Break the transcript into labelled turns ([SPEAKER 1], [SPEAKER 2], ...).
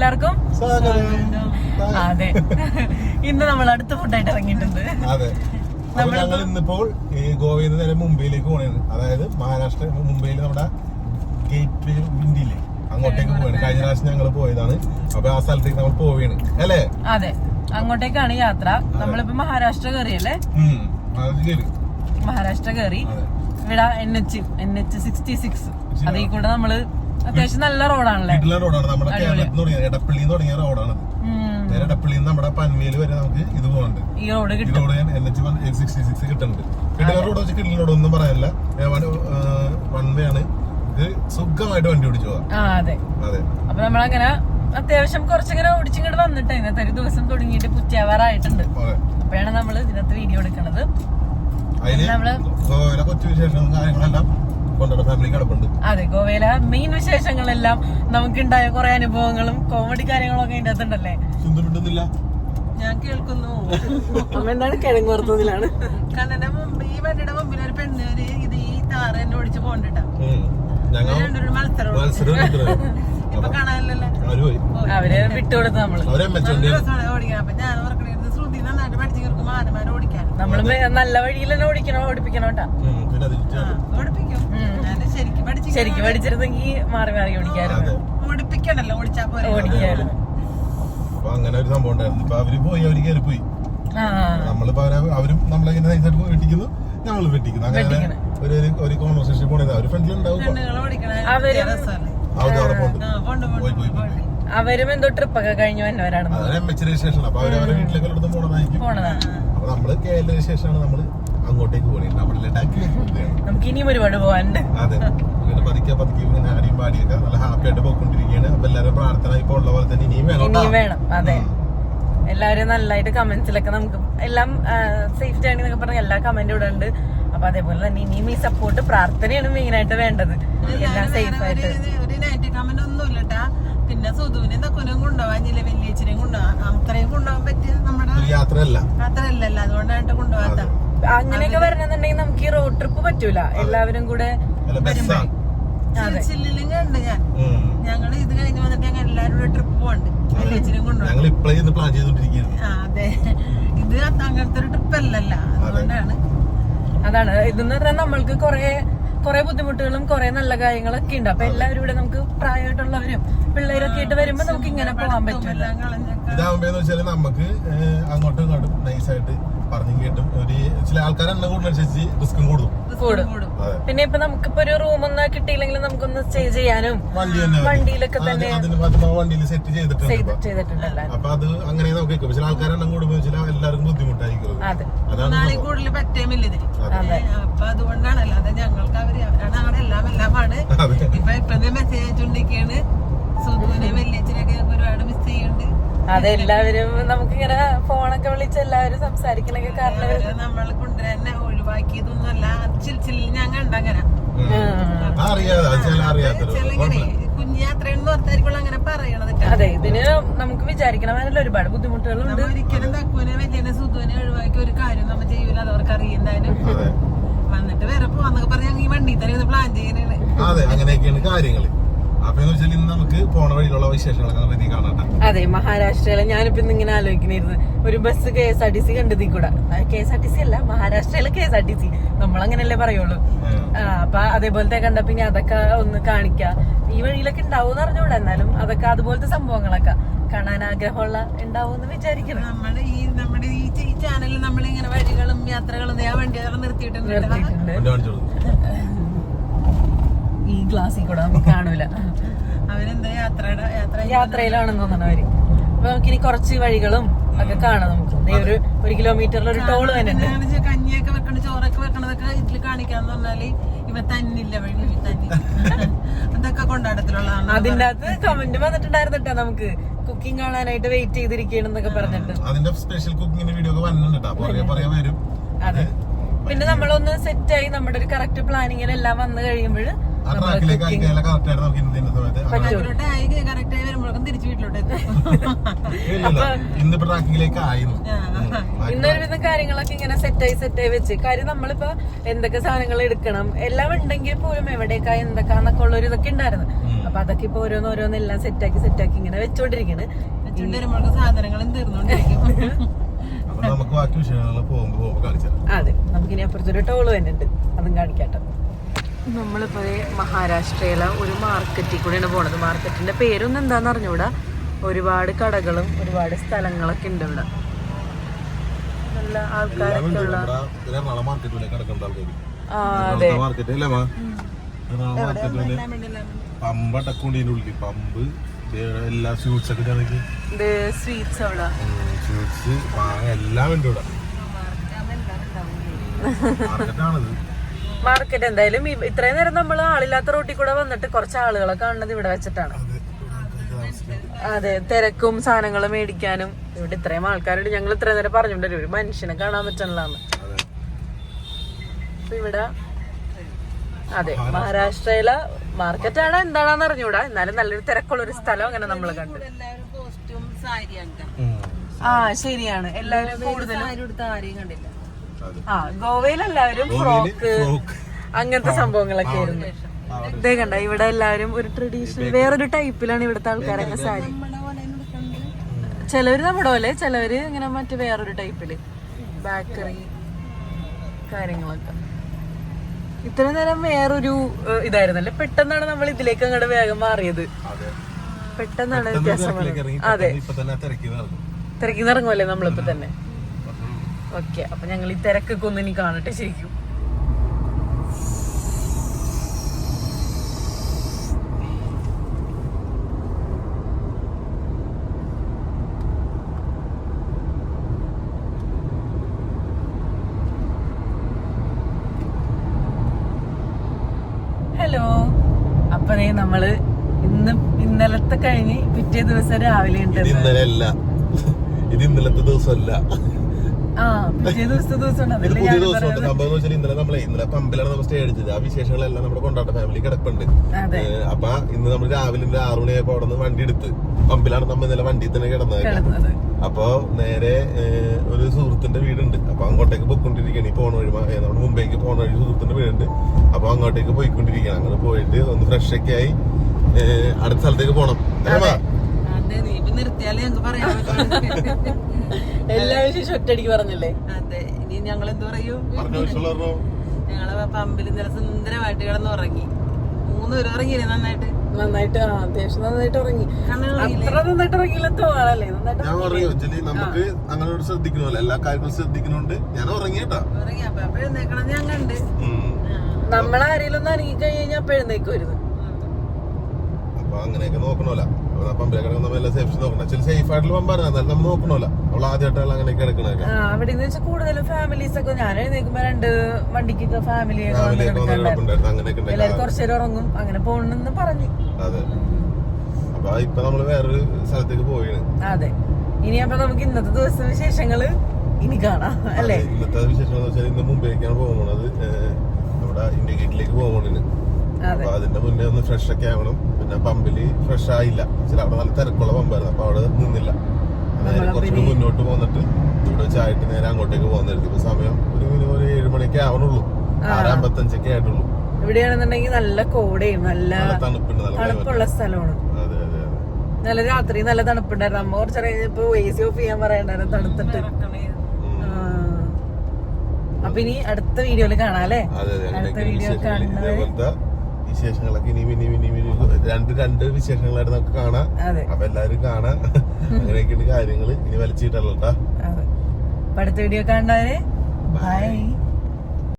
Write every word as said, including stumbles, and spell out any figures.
[SPEAKER 1] എല്ലാവർക്കും അതെ. ഇന്ന് നമ്മൾ അടുത്ത ഫുഡായിട്ട് ഇറങ്ങിയിട്ടുണ്ട്.
[SPEAKER 2] അതെ, ഞങ്ങൾ ഇന്നിപ്പോൾ ഈ ഗോവയിൽ നിന്ന് നേരെ മുംബൈയിലേക്ക് പോകണത്. അതായത് മഹാരാഷ്ട്ര മുംബൈയിൽ നമ്മുടെ ഗേറ്റ് വേ ഇന്ത്യയിലെ അങ്ങോട്ടേക്ക് പോവാണ്. കഴിഞ്ഞ പ്രാവശ്യം ഞങ്ങൾ പോയതാണ്. അപ്പൊ ആ സ്ഥലത്തേക്ക് നമ്മൾ പോവുകയാണ് അല്ലേ?
[SPEAKER 1] അതെ, അങ്ങോട്ടേക്കാണ് യാത്ര. നമ്മളിപ്പോ മഹാരാഷ്ട്ര കയറിയല്ലേ? മഹാരാഷ്ട്ര കയറി ഇവിടെ N H N H sixty six അതിൽ കൂടെ നമ്മള് അത്യാവശ്യം നല്ല റോഡാണല്ലേ?
[SPEAKER 2] റോഡാണ് നമ്മുടെ കേരളത്തിൽ തുടങ്ങിയ എടപ്പള്ളി തുടങ്ങിയ റോഡാണ്. നേരെ എടപ്പള്ളി നമ്മുടെ പൻവേല് വരെ നമുക്ക് ഇത് പോകുന്നുണ്ട്. ഈ road N H sixty six കിട്ടുന്നുണ്ട്. കിട്ടുന്ന റോഡ് വെച്ച് കിട്ടുന്ന റോഡ് ഒന്നും പറയാനില്ല. വൺ വേ ആണ്. ഇത് സുഖമായിട്ട് വണ്ടി ഓടിച്ചു പോവാം.
[SPEAKER 1] അതെ അതെ. അപ്പൊ നമ്മളങ്ങനെ അത്യാവശ്യം കുറച്ചിങ്ങനെ ഓടിച്ചിങ്ങോട്ട് വന്നിട്ട് ഇന്നത്തെ ഒരു ദിവസം തുടങ്ങിയിട്ട് പുറ്റാവാറായിട്ടുണ്ട്. അപ്പോഴാണ് നമ്മള് ഇതിനകത്ത് വീഡിയോ എടുക്കണത്. നമ്മള്
[SPEAKER 2] ഗോവയിലെ കൊച്ചു വിശേഷങ്ങളും കാര്യങ്ങളെല്ലാം കൊണ്ടുവന്ന ഫാമിലി കിടപ്പുണ്ട്.
[SPEAKER 1] അതെ, ഗോവയിലെ മെയിൻ വിശേഷങ്ങളെല്ലാം നമുക്കുണ്ടായ കുറെ അനുഭവങ്ങളും കോമഡി കാര്യങ്ങളും ഒക്കെ അതിന്റെ അകത്തുണ്ടല്ലേ?
[SPEAKER 3] ഞാൻ കേൾക്കുന്നു.
[SPEAKER 1] അമ്മ എന്താണ് കിഴങ്ങ് വറുത്തതിലാണ്
[SPEAKER 3] കണ്ണന്റെ മുമ്പ് ഈ വണ്ടിയുടെ മുമ്പിൽ ഒരു പെണ്ണ് ഇത് ഈ താറ് എന്നെ ഓടിച്ച് പോകണ്ടിട്ടാ. മത്സരം ഇപ്പൊ കാണാനല്ലേ
[SPEAKER 1] അവര് വിട്ടുകൊടുത്ത് നമ്മള്
[SPEAKER 3] ഓടിക്കണം. അപ്പൊ ഞാൻ ഓർക്കണത് ശ്രുതി നന്നായിട്ട് പഠിച്ചു കേൾക്കും ആനമാരെ ഓടിക്കാൻ.
[SPEAKER 1] നമ്മള് നല്ല വഴിയിൽ തന്നെ ഓടിക്കണോ ഓടിപ്പിക്കണോ കേട്ടാ?
[SPEAKER 3] ഓടിപ്പിക്കും. ശരിക്കും പഠിച്ചു
[SPEAKER 1] ശരിക്കും പഠിച്ചിരുന്നെങ്കിൽ മാറി മാറി ഓടിക്കായിരുന്നു.
[SPEAKER 3] ഓടിപ്പിക്കണല്ലോ, ഓടിച്ചാ പോലെ
[SPEAKER 1] ഓടിക്കായിരുന്നു.
[SPEAKER 2] അങ്ങനെ ഒരു സംഭവം ഉണ്ടായിരുന്നു. ഇപ്പൊ അവര് പോയി അവര് കയറി പോയി. നമ്മളിപ്പോ അവരും നമ്മളെങ്ങനെ നൈസായിട്ട് വെട്ടിക്കുന്നു, ഞങ്ങൾ വെട്ടിക്കുന്നു. അങ്ങനെ ഒരു ഒരു കോൺവെർസേഷൻ പോണത് അവര് ഫ്രണ്ടിലുണ്ടാവും.
[SPEAKER 1] അവരും എന്തോ ട്രിപ്പൊക്കെ കഴിഞ്ഞു വന്നവരാണ്.
[SPEAKER 2] ശേഷം അപ്പൊ അവര് അവരുടെ വീട്ടിലേക്ക് പോണതായിരിക്കും. അപ്പൊ നമ്മള് കേരളത്തിന് ശേഷമാണ് നമ്മള് അങ്ങോട്ടേക്ക് പോകണേ. നമ്മുടെ ലഡാക്കിലേക്ക്
[SPEAKER 1] നമുക്ക് ഇനിയും ഒരുപാട് പോകാനുണ്ട്.
[SPEAKER 2] അതെ, ഇങ്ങനെ പതുക്കെ പതുക്കെ ഇങ്ങനെ ആടിയും പാടിയൊക്കെ നല്ല ഹാപ്പി ആയിട്ട് പോയിക്കൊണ്ടിരിക്കുകയാണ്. അപ്പൊ എല്ലാവരും പ്രാർത്ഥന ഇപ്പൊ ഉള്ള പോലെ തന്നെ ഇനിയും വേണം
[SPEAKER 1] ഇനിയും വേണം. അതെ, എല്ലാവരും നല്ലതായിട്ട് കമന്റ്സിലൊക്കെ നമുക്ക് എല്ലാം സേഫ് ജേണി എന്നൊക്കെ പറഞ്ഞ എല്ലാ കമന്റും ഇടുന്നുണ്ട്. അപ്പൊ അതേപോലെ തന്നെ ഇനിയും ഈ സപ്പോർട്ട് പ്രാർത്ഥനയാണ് മെയിൻ ആയിട്ട് വേണ്ടത്. എല്ലാം സേഫ് ആയിട്ട്.
[SPEAKER 3] ഒരു നെഗറ്റീവ് കമന്റ് ഒന്നും ഇല്ലട്ടാ. പിന്നെ സുധുവിനെ തക്കുനും കൊണ്ടുപോകാനില്ല, വലിയച്ഛനെയും കൊണ്ടുപോകാൻ അത്രയും കൊണ്ടുപോകാൻ പറ്റിയ നമ്മുടെ
[SPEAKER 2] യാത്രയല്ല
[SPEAKER 3] യാത്രയല്ലല്ലോ. അതുകൊണ്ടായിട്ട് കൊണ്ടുപോകാത്ത.
[SPEAKER 1] അങ്ങനെയൊക്കെ വരണമെന്നുണ്ടെങ്കിൽ നമുക്ക് ഈ റോഡ് ട്രിപ്പ് പറ്റൂല. എല്ലാവരും കൂടെ
[SPEAKER 3] ചില്ലിലും കണ്ട് ഞാൻ ഞങ്ങള് ഇത് കഴിഞ്ഞ് വന്നിട്ട് ഞങ്ങൾ എല്ലാരും കൂടെ ട്രിപ്പ് പോകണ്ട്. വലിയച്ഛനെയും കൊണ്ടുപോകാൻ. അതെ, ഇത് അങ്ങനത്തെ ഒരു ട്രിപ്പ് അല്ലല്ലോ. അതുകൊണ്ടാണ്.
[SPEAKER 1] അതാണ് ഇതെന്ന് പറഞ്ഞാൽ നമ്മൾക്ക് കുറെ കുറെ ബുദ്ധിമുട്ടുകളും കുറെ നല്ല കാര്യങ്ങളൊക്കെ ഉണ്ട്. അപ്പൊ എല്ലാവരും ഇവിടെ നമുക്ക് പ്രായമായിട്ടുള്ളവരും പിള്ളേരൊക്കെ ആയിട്ട് വരുമ്പോ നമുക്ക് ഇങ്ങനെ പോകാൻ പറ്റില്ല.
[SPEAKER 2] ഇതാവുമ്പോന്ന് വെച്ചാല് നമുക്ക് അങ്ങോട്ടും ഇങ്ങോട്ടും നൈസായിട്ട് പറഞ്ഞു കേട്ടും ഒരു ചില ആൾക്കാർ എണ്ണം കൂടുന്നതനുസരിച്ച് റിസ്ക്കും കൂടും
[SPEAKER 1] കൂടും. പിന്നെ ഇപ്പൊ നമുക്കിപ്പോ ഒരു റൂം ഒന്നും കിട്ടിയില്ലെങ്കിൽ നമുക്കൊന്ന് സ്റ്റേ ചെയ്യാനും വണ്ടിയിലൊക്കെ തന്നെ
[SPEAKER 2] വണ്ടിയിൽ സെറ്റ് ചെയ്തിട്ടുണ്ട്. അപ്പൊ അത് അങ്ങനെ നമുക്ക് ചില ആൾക്കാർ എണ്ണം കൂടുമ്പോ ചില എല്ലാവർക്കും ബുദ്ധിമുട്ടായിരിക്കും.
[SPEAKER 3] അതാണ് കൂടുതൽ പറ്റേമില്ല ഇതിന്. അപ്പൊ അതുകൊണ്ടാണല്ലോ. അത് ഞങ്ങൾക്ക് അവര് അവരാണ് എല്ലാം എല്ലാമാണ്. ഇപ്പൊ ഇപ്പൊ മെസ്സേജ് അയച്ചുകൊണ്ടിരിക്കുകയാണ്. സുധുവിനെ വലിയച്ഛനൊക്കെ ഞങ്ങൾക്ക് ഒരുപാട് മിസ് ചെയ്യുന്നുണ്ട്.
[SPEAKER 1] അതെല്ലാവരും നമുക്കിങ്ങനെ ഫോണൊക്കെ വിളിച്ച് എല്ലാവരും സംസാരിക്കണൊക്കെ കാരണം
[SPEAKER 3] നമ്മൾ കൊണ്ടുവരാൻ ഒഴിവാക്കിയതൊന്നുമല്ല. ചിൽച്ചില്ലിൽ ഞാൻ കണ്ടങ്ങനെ കുഞ്ഞാത്രയെന്ന് ഓർത്തായിരിക്കും അങ്ങനെ പറയണത്.
[SPEAKER 1] അതെ, ഇതിന് നമുക്ക് വിചാരിക്കണമാനല്ലോ ഒരുപാട് ബുദ്ധിമുട്ടുകളുണ്ട്.
[SPEAKER 3] ഒരിക്കലും തക്കുവിനെ വലിയ സുധുവിനെ ഒഴിവാക്കി ഒരു കാര്യം നമ്മൾ ചെയ്യൂല. അത് അവർക്ക് അറിയുന്നതിനും വന്നിട്ട് വേറെ പോവാന്നൊക്കെ പറഞ്ഞ ഈ വണ്ടി തന്നെ പ്ലാൻ ചെയ്യണേ.
[SPEAKER 2] അതെ, അങ്ങനെയൊക്കെയാണ് കാര്യങ്ങള്. അപ്പൊ ഇന്ന് നമുക്ക് പോണ വഴിയിലുള്ള വിശേഷങ്ങളൊക്കെ കാണാം.
[SPEAKER 1] അതെ, മഹാരാഷ്ട്രയിലെ ഞാനിപ്പോ ഇന്നിങ്ങനെ ആലോചിക്കണിരുന്നു ഒരു bus K S R T C കണ്ടതി കൂടെ. K S R T C അല്ല, മഹാരാഷ്ട്രയിലെ K S R T C നമ്മളങ്ങനല്ലേ പറയുള്ളൂ. അപ്പൊ അതേപോലത്തെ കണ്ടപ്പോ ഇനി അതൊക്കെ ഒന്ന് കാണിക്കാം. ഈ വഴിയിലൊക്കെ ഉണ്ടാവും എന്ന് അറിഞ്ഞൂടെ, എന്നാലും അതൊക്കെ അതുപോലത്തെ സംഭവങ്ങളൊക്കെ കാണാൻ ആഗ്രഹമുള്ള ഉണ്ടാവും എന്ന് വിചാരിക്കണം.
[SPEAKER 3] നമ്മുടെ ഈ നമ്മുടെ ഈ ചാനലിൽ നമ്മളിങ്ങനെ വഴികളും യാത്രകളും ഞാൻ വണ്ടികളെ നിർത്തിയിട്ടുണ്ട്
[SPEAKER 1] നിർത്തിയിട്ടുണ്ട് ഈ ഗ്ലാസ്സിൽ കൂടെ നമുക്ക് കാണൂല.
[SPEAKER 3] അവരെന്താ യാത്രയുടെ
[SPEAKER 1] യാത്രയിലാണെന്ന് തോന്നണം അവര്. അപ്പൊ നമുക്കിനി കുറച്ച് വഴികളും ഒക്കെ കാണാം. നമുക്ക് ഒരു ഒരു കിലോമീറ്ററിൽ ഒരു ടോള് തന്നെ ഉണ്ട്.
[SPEAKER 3] കഞ്ഞിയൊക്കെ വെക്കണ ചോറൊക്കെ വെക്കണതൊക്കെ ഇതിൽ കാണിക്കാന്ന് പറഞ്ഞാല് ഇവ തന്നില്ല വഴി തന്നി അതൊക്കെ കൊണ്ടാടത്തിലുള്ളതാണ്.
[SPEAKER 1] അതിന്റെ അകത്ത് കമന്റ് വന്നിട്ടുണ്ടായിരുന്നിട്ടാ നമുക്ക് കുക്കിംഗ് കാണാനായിട്ട് വെയിറ്റ് ചെയ്തിരിക്കണെന്നൊക്കെ പറഞ്ഞിട്ട്.
[SPEAKER 2] അതിന്റെ സ്പെഷ്യൽ കുക്കിംഗിന്റെ വീഡിയോ ഒക്കെ വന്നിട്ടുണ്ട്.
[SPEAKER 1] അതെ, പിന്നെ നമ്മളൊന്ന് സെറ്റായി നമ്മുടെ ഒരു കറക്റ്റ് പ്ലാനിങ്ങിൽ എല്ലാം വന്നു കഴിയുമ്പോൾ ഇന്നൊരുവിധം കാര്യങ്ങളൊക്കെ ഇങ്ങനെ സെറ്റായി സെറ്റായി വെച്ച് കാര്യം നമ്മളിപ്പോ എന്തൊക്കെ സാധനങ്ങൾ എടുക്കണം എല്ലാം ഉണ്ടെങ്കിൽ പോലും എവിടേക്കാ എന്തൊക്കെയാന്നൊക്കെ ഉള്ള ഒരു ഇതൊക്കെ ഉണ്ടായിരുന്നു. അപ്പൊ അതൊക്കെ ഇപ്പൊ ഓരോന്ന് ഓരോന്ന് എല്ലാം സെറ്റാക്കി സെറ്റാക്കി ഇങ്ങനെ വെച്ചോണ്ടിരിക്കണ്.
[SPEAKER 3] വെച്ചോണ്ട് വരുമ്പോഴേക്കും സാധനങ്ങളും തീർന്നോണ്ടിരിക്കും.
[SPEAKER 2] അപ്പൊ നമുക്ക് ബാക്കി വിഷയങ്ങൾ പോകുമ്പോ പോകുമ്പോ കാണിച്ചാൽ.
[SPEAKER 1] അതെ, നമുക്കിനി അപ്പുറത്തൊരു ടോള് തന്നെ ഉണ്ട്, അതും കാണിക്കാട്ടോ. നമ്മളിപ്പോ മഹാരാഷ്ട്രയിലെ ഒരു മാർക്കറ്റിൽ കൂടെയാണ് പോണത്. മാർക്കറ്റിന്റെ പേരൊന്നും എന്താന്ന് അറിഞ്ഞൂടാ. ഒരുപാട് കടകളും ഒരുപാട് സ്ഥലങ്ങളൊക്കെ ഉണ്ട് ഇവിടെ. നല്ല ആൾക്കാരൊക്കെ ഉള്ള
[SPEAKER 2] പമ്പ് അടക്കൊണ്ടിന്റെ ഉള്ളിൽ പമ്പ് എല്ലാ സ്വീറ്റ്സ് ഒക്കെ
[SPEAKER 1] സ്വീറ്റ്സ് അവിടെ
[SPEAKER 2] സ്വീറ്റ്സ് എല്ലാം ഉണ്ട് ഇവിടെ. മാർക്കറ്റാണിത്.
[SPEAKER 1] മാർക്കറ്റ് എന്തായാലും ഇത്രയും നേരം നമ്മൾ ആളില്ലാത്ത റോട്ടിൽ കൂടെ വന്നിട്ട് കുറച്ച് ആളുകളെ കാണുന്നത് ഇവിടെ വെച്ചിട്ടാണ്. അതെ, തിരക്കും സാധനങ്ങൾ മേടിക്കാനും. ഇവിടെ ഇത്രയും ആൾക്കാരുണ്ട്. ഞങ്ങൾ ഇത്രയും നേരം പറഞ്ഞോണ്ടല്ലോ ഒരു മനുഷ്യനെ കാണാൻ പറ്റണില്ലാന്ന്. ഇവിടെ അതെ, മഹാരാഷ്ട്രയിലെ മാർക്കറ്റാണ് എന്താണെന്ന് അറിഞ്ഞൂടാ. എന്നാലും നല്ലൊരു തിരക്കുള്ള ഒരു സ്ഥലം അങ്ങനെ നമ്മൾ കണ്ടു. ആ ശരിയാണ്, എല്ലാവരും കൂടുതലും
[SPEAKER 3] ആരെയും കണ്ടില്ല.
[SPEAKER 1] ആ ഗോവയിലെല്ലാവരും ഫ്രോക്ക് അങ്ങനത്തെ സംഭവങ്ങളൊക്കെ ആയിരുന്നു. ഇതേ കണ്ട, ഇവിടെ എല്ലാവരും ഒരു ട്രഡീഷണൽ വേറൊരു ടൈപ്പിലാണ് ഇവിടുത്തെ ആൾക്കാരൊക്കെ സാരി. ചിലവര് നമ്മുടെ പോലെ, ചിലവര് ഇങ്ങനെ മറ്റു വേറൊരു ടൈപ്പില് ബേക്കറി കാര്യങ്ങളൊക്കെ. ഇത്ര നേരം വേറൊരു ഇതായിരുന്നല്ലേ, പെട്ടെന്നാണ് നമ്മൾ ഇതിലേക്ക് അങ്ങോട്ട് വേഗം മാറിയത്. പെട്ടെന്നാണ് വ്യത്യാസം. അതെ, തിരക്കി ഇറങ്ങുമല്ലേ നമ്മളിപ്പോ തന്നെ. ഓക്കെ, അപ്പൊ ഞങ്ങൾ ഈ തിരക്കൊക്കെ ഒന്ന് ഇനി കാണട്ടെ ശരിക്കും. ഹലോ, അപ്പൊ നമ്മള് ഇന്ന് ഇന്നലത്തെ കഴിഞ്ഞ് പിറ്റേ ദിവസം രാവിലെ ഉണ്ട്.
[SPEAKER 2] ഇന്നലെയല്ല, ഇത് ഇന്നലത്തെ ദിവസമല്ല.
[SPEAKER 1] ആ പിറ്റേ ദിവസത്തെ ദിവസം
[SPEAKER 2] പുതിയ ദിവസമുണ്ട്. സംഭവം എന്ന് വെച്ചാൽ ഇന്നലെ നമ്മളെ ഇന്നലെ പമ്പിലാണ് നമ്മൾ സ്റ്റേ അടിച്ചത്. ആ വിശേഷങ്ങളെല്ലാം നമ്മുടെ കൊണ്ടാട്ട ഫാമിലി കിടപ്പുണ്ട്. അപ്പൊ ഇന്ന് നമ്മൾ രാവിലെ ഒരു ആറു മണിയായപ്പോ അവിടെ നിന്ന് വണ്ടി എടുത്ത് പമ്പിലാണ് നമ്മൾ ഇന്നലെ വണ്ടിയിൽ തന്നെ കിടന്നത്. അപ്പൊ നേരെ ഒരു സുഹൃത്തിന്റെ വീടുണ്ട്. അപ്പൊ അങ്ങോട്ടേക്ക് പോയിക്കൊണ്ടിരിക്കുകയാണ്. ഈ പോണ വഴി നമ്മുടെ മുംബൈക്ക് പോണ വഴി സുഹൃത്തിന്റെ വീടുണ്ട്. അപ്പൊ അങ്ങോട്ടേക്ക് പോയിക്കൊണ്ടിരിക്കുകയാണ്. അങ്ങനെ പോയിട്ട് ഒന്ന് ഫ്രഷ് ഒക്കെ ആയി അടുത്ത സ്ഥലത്തേക്ക് പോണം.
[SPEAKER 3] നിർത്തിയാലേ ഞങ്ങൾക്ക് പറയാൻ പറ്റും.
[SPEAKER 1] എല്ലാ വിശേഷം ഒറ്റയടിക്ക് പറഞ്ഞല്ലേ.
[SPEAKER 3] അതെ, ഇനി ഞങ്ങൾ എന്ത് പറയൂ. ഞങ്ങള് പമ്പിൽ ഇന്നലെ സുന്ദരമായിട്ട് കിടന്ന് ഉറങ്ങി. മൂന്ന് പേര് ഉറങ്ങിയില്ലേ നന്നായിട്ട്?
[SPEAKER 1] നന്നായിട്ട് അത്യാവശ്യം നന്നായിട്ട് ഉറങ്ങി. അത്ര നന്നായിട്ട് ഉറങ്ങിയില്ല തോന്നല്ലേ.
[SPEAKER 2] നമുക്ക് അങ്ങനെ ശ്രദ്ധിക്കണമല്ലോ, എല്ലാ കാര്യങ്ങളും ശ്രദ്ധിക്കുന്നുണ്ട്. ഞാൻ ഉറങ്ങിട്ടാ
[SPEAKER 3] ഉറങ്ങി. അപ്പൊ അപ്പൊ എഴുന്നേക്കണം ഞാൻ കണ്ട്.
[SPEAKER 1] നമ്മളാരെങ്കിലും ഒന്ന് അനങ്ങി കഴിഞ്ഞാൽ അപ്പൊ എഴുന്നേക്കുമായിരുന്നു.
[SPEAKER 2] അപ്പൊ അങ്ങനെയൊക്കെ നോക്കണമല്ലോ. പമ്പിലേക്ക് നമ്മൾ എല്ലാം സേഫ് നോക്കണം. ചില സേഫ് ആയിട്ടുള്ള പമ്പാണ്, എന്നാലും നമ്മൾ നോക്കണമല്ലോ. അവൾ ആദ്യമായിട്ടാണ് അങ്ങനെയൊക്കെ എടുക്കണൊക്കെ.
[SPEAKER 1] അവിടെ കൂടുതലും ഫാമിലീസ് ഒക്കെ ഞാൻ എഴുന്നേക്കുമ്പോ രണ്ട് വണ്ടിക്കൊക്കെ ഫാമിലി കുറച്ചു നേരം ഉറങ്ങും. അങ്ങനെ പോണെന്ന് പറഞ്ഞു.
[SPEAKER 2] അതെ, അപ്പൊ ഇപ്പൊ നമ്മള് വേറൊരു സ്ഥലത്തേക്ക് പോയാണ്.
[SPEAKER 1] അതെ, ഇനി അപ്പൊ നമുക്ക് ഇന്നത്തെ ദിവസം വിശേഷങ്ങള് ഇനി കാണാം അല്ലേ.
[SPEAKER 2] ഇന്നത്തെ വിശേഷം എന്ന് വെച്ചാൽ ഇന്ന് മുംബൈക്കാണ് പോകുന്നത്. നമ്മുടെ ഇന്ത്യ ഗേറ്റിലേക്ക് പോകുന്നത്. അപ്പൊ അതിന്റെ മുന്നേ ഒന്ന് ഫ്രഷ് ഒക്കെ ആവണം. പിന്നെ പമ്പില് ഫ്രഷ് ആയില്ല, ചില അവിടെ നല്ല തിരക്കുള്ള പമ്പായിരുന്നു. അപ്പൊ അവിടെ നിന്നില്ല. നേരെ കുറച്ചുകൂടി മുന്നോട്ട് പോന്നിട്ട് ഇവിടെ വെച്ചായിട്ട് നേരെ അങ്ങോട്ടേക്ക് പോകുന്നായിരുന്നു. ഇപ്പൊ സമയം ഒരു മിനിമം ഒരു ഏഴ് മണിയൊക്കെ ആവണുള്ളൂ. ആറമ്പത്തഞ്ചൊക്കെ ആയിട്ടുള്ളൂ.
[SPEAKER 1] ഇവിടെയാണെന്നുണ്ടെങ്കിൽ നല്ല കോടയും നല്ല തണുപ്പുണ്ട്, തണുപ്പുള്ള സ്ഥലമാണ്.
[SPEAKER 2] അതെ അതെ അതെ,
[SPEAKER 1] നല്ല രാത്രി നല്ല തണുപ്പുണ്ടായിരുന്നു. അമ്മ കുറച്ചറിയാം ഇപ്പൊ എ സി ഓഫ് ചെയ്യാൻ പറയണ്ടായിരുന്നു തണുത്തിട്ട്. അപ്പൊ ഇനി അടുത്ത വീഡിയോയില് കാണാം അല്ലേ. അടുത്ത വീഡിയോ കാണുന്നത്
[SPEAKER 2] വിശേഷങ്ങളൊക്കെ ഇനി ഇനി ഇനി രണ്ട് രണ്ട് വിശേഷങ്ങളായിട്ട് നമുക്ക് കാണാം. അപ്പൊ എല്ലാരും കാണാം. അങ്ങനെയൊക്കെയാണ് കാര്യങ്ങള്. ഇനി വലിച്ചിട്ടല്ലോ.
[SPEAKER 1] അടുത്ത വീഡിയോ കാണാനേ ബൈ.